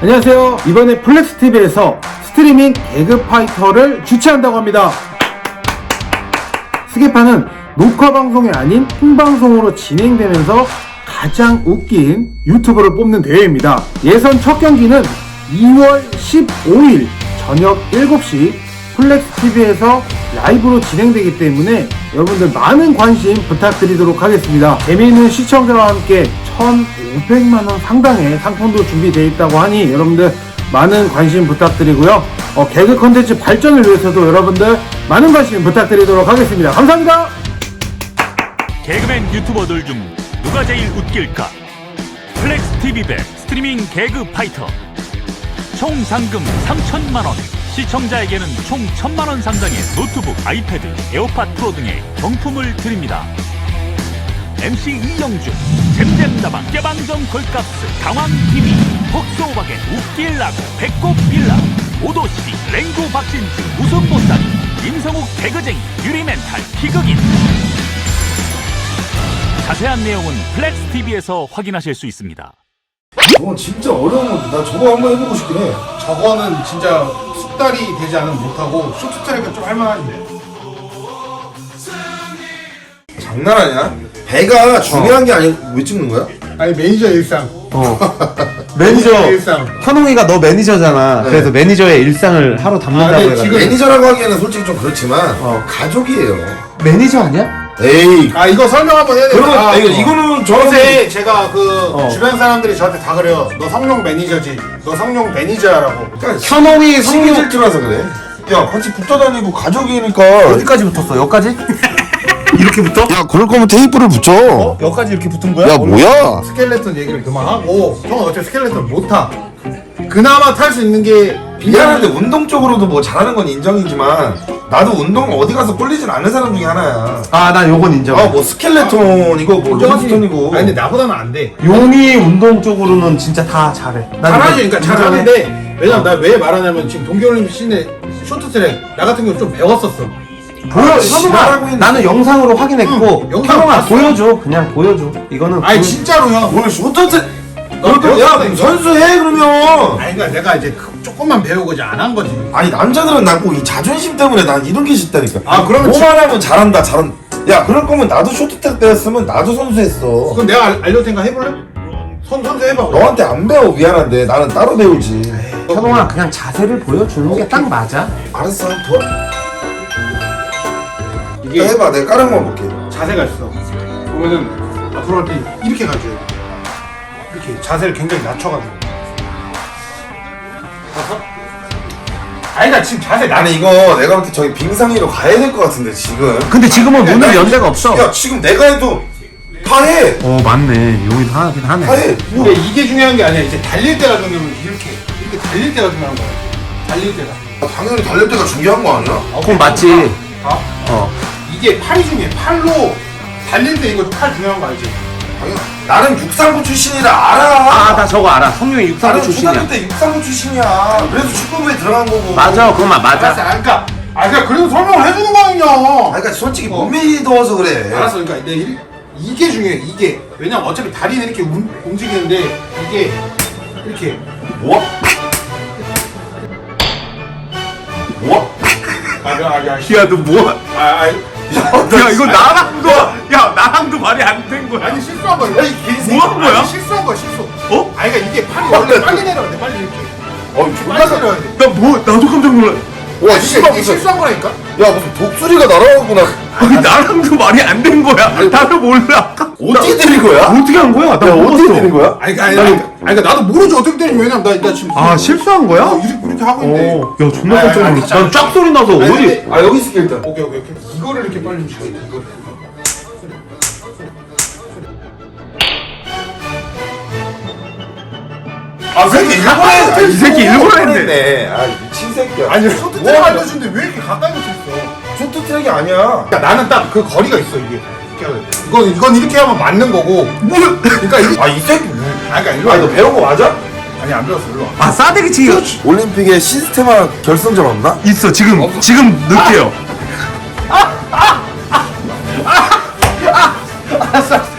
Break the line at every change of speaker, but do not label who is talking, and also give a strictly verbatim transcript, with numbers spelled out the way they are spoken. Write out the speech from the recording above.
안녕하세요. 이번에 플렉스티비에서 스트리밍 개그 파이터를 주최한다고 합니다. 스게파는 녹화 방송이 아닌 생방송으로 진행되면서 가장 웃긴 유튜버를 뽑는 대회입니다. 예선 첫 경기는 이월 십오일 저녁 일곱 시 플렉스티비에서 라이브로 진행되기 때문에 여러분들 많은 관심 부탁드리도록 하겠습니다. 재미있는 시청자와 함께 천오백만 원 상당의 상품도 준비되어 있다고 하니 여러분들 많은 관심 부탁드리고요. 어, 개그 컨텐츠 발전을 위해서도 여러분들 많은 관심 부탁드리도록 하겠습니다. 감사합니다.
개그맨 유튜버들 중 누가 제일 웃길까? 플렉스티비 백 스트리밍 개그 파이터. 총 상금 삼천만 원, 시청자에게는 총 천만 원 상당의 노트북, 아이패드, 에어팟 프로 등의 경품을 드립니다. 엠씨 이영준, 잼잼다방, 깨방정 걸값스, 강황티비, 폭소오박의 웃길라고, 배꼽 빌라, 오도씨, 랭구 박신지, 웃음 못살이, 임성욱 개그쟁이, 유리멘탈, 희극인. 자세한 내용은 플렉스티비에서 확인하실 수 있습니다.
저건 진짜 어려운 건데 나 저거 한번 해보고 싶긴 해.
저거는 진짜 숙달이 되지 않으면 못하고 쇼트트랙은 좀 할만한데.
장난 아니야? 배가 중요한 게 아니고 왜 찍는 거야?
아니 매니저 일상.
어. 매니저
일상.
현웅이가 너 매니저잖아.
네.
그래서 매니저의 일상을 하루 담는다고
아, 네,
해가지고.
지금-
매니저라고 하기에는 솔직히 좀 그렇지만
어.
가족이에요.
매니저 아니야?
에이.
아 이거 설명 한번 해야 돼.
그러면
아,
이거,
어.
이거는 저한테
어제 제가 그
어.
주변 사람들이 저한테 다 그래요. 너 성룡 매니저지. 너 성룡 매니저야라고.
현웅이
신기
성룡
질투라서 그래. 야 같이 붙어 다니고 가족이니까.
어디까지 붙었어? 여기까지? 이렇게 붙어?
야 그럴 거면 테이프를 붙여.
어? 여기까지 이렇게 붙은 거야?
야 뭐야?
스켈레톤 얘기를 그만하고 형은 어차피 스켈레톤 못 타. 그나마 탈 수 있는 게
미안한데 운동 쪽으로도 뭐 잘하는 건 인정이지만 나도 운동 어디 가서 꿀리진 않는 사람 중에 하나야.
아, 난 요건 인정.
아 뭐 스켈레톤이고 뭐 롤스톤이고.
아니 근데 나보다는 안 돼.
용이 운동 쪽으로는 진짜 다 잘해. 난
잘하지,
이거
그러니까
인정해.
잘하는데 왜냐면 나 왜 말하냐면 지금 동계올림픽 시내 쇼트트랙 나 같은 경우 좀 배웠었어.
보여,
아, 지랄하고
현웅아.
있네.
나는 영상으로 확인했고,
응, 영상
현웅아
봤어.
보여줘. 그냥 보여줘. 이거는
아니
그-
진짜로 형.
오늘 쇼트트.
너
그럼 야 그럼 선수해 그러면.
아니 그러니까 내가 이제 그- 조금만 배우고 이제 안 한 거지.
아니 남자들은 난 꼭 이 자존심 때문에 난 이런 게 싫다니까.
아, 그러면
뭐만 하면 잘한다 잘한. 야 그럴 거면 나도 쇼트트랙 배웠으면 나도 선수했어.
그럼 내가 알, 알려줄 테니까 해볼래? 선 선수 해봐.
너한테 안 배워 미안한데 나는 따로 배우지.
현웅아 그냥 자세를 보여주는 게 딱 맞아.
알았어 한번 더.
이게
해봐 내가 까는 거 볼게.
자세가 있어. 보면은 앞으로 할 때 이렇게 가줘야 돼. 이렇게 자세를 굉장히 낮춰가지고. 봐서? 아니 나 지금 자세 낮.
나는 이거 내가 볼 때 저기 빙상위로 가야 될 것 같은데 지금.
근데 지금은
야,
문을
나-
연 데가 없어.
야 지금 내가 해도 다 해.
어, 맞네. 용이도 하긴 하네.
다 해. 뭐.
근데 이게 중요한 게 아니야. 이제 달릴 때가 중요한 거야. 이렇게 이렇게 달릴 때가 중요한 거야. 달릴 때가.
당연히 달릴 때가 중요한 거 아니야?
그럼 맞지.
아?
어.
이게 팔이 중요해. 팔로 달릴 때 이거 팔 중요한 거 알지?
당연. 나는 육상부 출신이라 알아.
아, 나 저거 알아. 성룡이 육상부
나는
출신이야.
초등학교 때 육상부 출신이야. 그래서 축구부에 들어간 거고.
맞아, 그건 맞- 맞아.
알았어. 아, 그러니까 아 그러니까 그래도 설명을 해주는 거 아니냐.
아, 그러니까 솔직히
어.
몸이 더워서 그래.
알았어. 그러니까 내 이, 이게 중요해. 이게 왜냐면 어차피 다리는 이렇게 움, 움직이는데 이게 이렇게
뭐? 뭐?
아야 야.
야, 너 뭐야?
아, 아,
야, 이거 나랑도, 야, 나랑도 말이 안 된 거야.
아니 실수한 거야.
야, 이 개새끼.
뭐 하는 거야?
아니, 실수한 거야 실수.
어?
아니 그러니까 이게 팔이 원래 빨리 내려야 돼. 빨리 이렇게.
어, 존나
빨리
사.
내려야 돼.
나 뭐, 나도 깜짝 놀라.
와,
이게,
씨발
이게
무슨.
실수한 거라니까.
야, 무슨 독수리가 날아가구나.
아니, 나랑도 말이 안 된 거야. 나도 몰라.
어떻게 때린 거야?
어떻게 한 거야? 나
야, 어떻게
몰랐어.
때린 거야?
아니 그러니까 아니, 아니, 아니 그러니까 나도 모르지 어떻게 되는지. 왜냐면 나, 나 지금
아, 실수한 거야?
어, 이렇게, 이렇게 하고 있는데.
어, 야, 존나
아니,
깜짝
아니,
놀랐어.
아니,
난 쫙 소리 나서
아니,
어디.
근데-
아, 여기 있을게, 일단.
오케이 오케이 오케이. 이거를 이렇게 빨리 치야 돼. 이거를.
아, 이 새끼 일부러 했네.
이 새끼 일부러 했네.
아, 미친 새끼야.
아니 쇼트트랙
뭐
알려주는데 왜 이렇게 가까이 붙어 있어?
쇼트 트랙이 아니야.
야, 나는 딱 그 거리가 있어 이게. 이렇게 해야 돼. 이건 이건 이렇게 하면 맞는 거고. 뭐? 그러니까 이게
아, 이 새끼. 왜-
아 그러니까 일로
아니,
와.
너 배운 거 맞아?
아니 안 배웠어 일로 와.
아, 싸대기 치기가
올림픽에 시스테마 결승전 없나?
있어. 지금, 지금 늦게요.
알았어 알았어.